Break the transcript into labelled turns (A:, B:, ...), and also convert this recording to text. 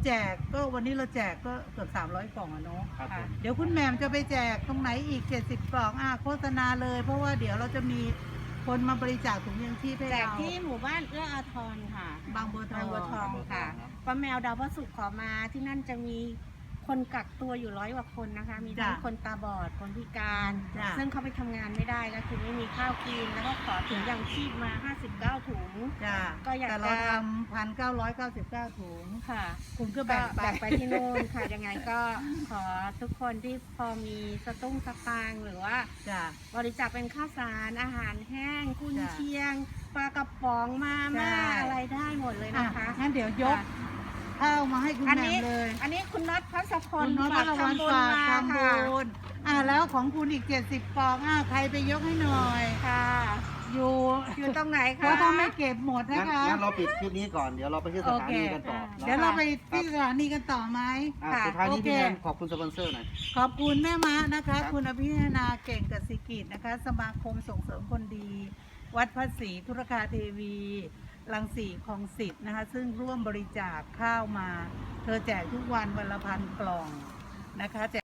A: แจกก็วันนี้เราแจกก็เกือบ300 กล่องอะเนาะ
B: ครับผม
A: เดี๋ยวคุณแหม่มจะไปแจกตรงไหนอีก70 กล่องโฆษณาเลยเพราะว่าเดี๋ยวเราจะมีคนมาบริจาคถุงยังชีพให้
C: แจก
A: เรา
C: ที่หมู่บ้านเอื้ออาทรค่ะ
A: บางบัวทอง
C: บางบัวทองค่ะป้าแมวดาวพระศุกร์ขอมาที่นั่นจะมีคนกักตัวอยู่100 กว่าคนนะคะ มีทั้ง
A: จ้ะ
C: คนตาบอดคนพิการ
A: จ้ะ
C: ซึ่งเขาไปทำงานไม่ได้ก็คือไม่มีข้าวกินแล้วก็ขอถุงยังชีพมา59 ถุง
A: จ้า
C: ก็อยาก
A: แต่เรา
C: จะ
A: ทำ1,999 ถุง
C: ค่ะ
A: คุณก็
C: ก็
A: แบ่งไป
C: แบ่งไปที่นู่นค่ะ ยังไงก็ขอทุกคนที่พอมีสตุ้งสตางค์หรือว่า
A: จ้า
C: บริจาคเป็นข้าวสารอาหารแห้งกุน
A: จ้ะ
C: เชียงปลากระป๋องมาม่า
A: ใช่
C: อะไรได้หมดเลยนะคะ
A: งั้นเดี๋ยวยกข้าวมาให้คุณ
C: อัน
A: แหม่
C: นี้
A: มเลย
C: อันนี้คุณน็อตพัสพล
A: คุณน้องพ
C: ฝาก
A: ระวัน
C: ทำบุญ
A: ฝาก
C: มา
A: ทำ
C: ค่ะ
A: บุญแล้วของคุณอีก70 ปองใครไปยกให้หน่อย
C: ค่ะ
A: อยู่
C: อยู่ตรงไหน
A: เพ
C: คะ
A: ราะถ้าไม่เก็บหมดนะ
B: งั้น
A: คะ
B: งั้นเราปิดคลิปนี้ก่อนเดี๋ยวเราไปที่สถานีกันต่อ
A: เดี๋ยวเราไปที่สถานีกันต่อไหม
B: สุดท้ายนี้
A: โอเค
B: พี่แนนขอบคุณสปอนเซอร์หน่อย
A: ขอบคุณแม่ม้านะคะ
B: ครับ
A: คุณอภิญนาเก่งกสิกิจนะคะ สมาคมส่งเสริมคนดี วัดพระศรีธุรคาเทวีรังสีคลองสิทธิ์นะคะ ซึ่งร่วมบริจาคข้าวมา เธอแจกทุกวันวันละ1,000 กล่องนะคะ แจ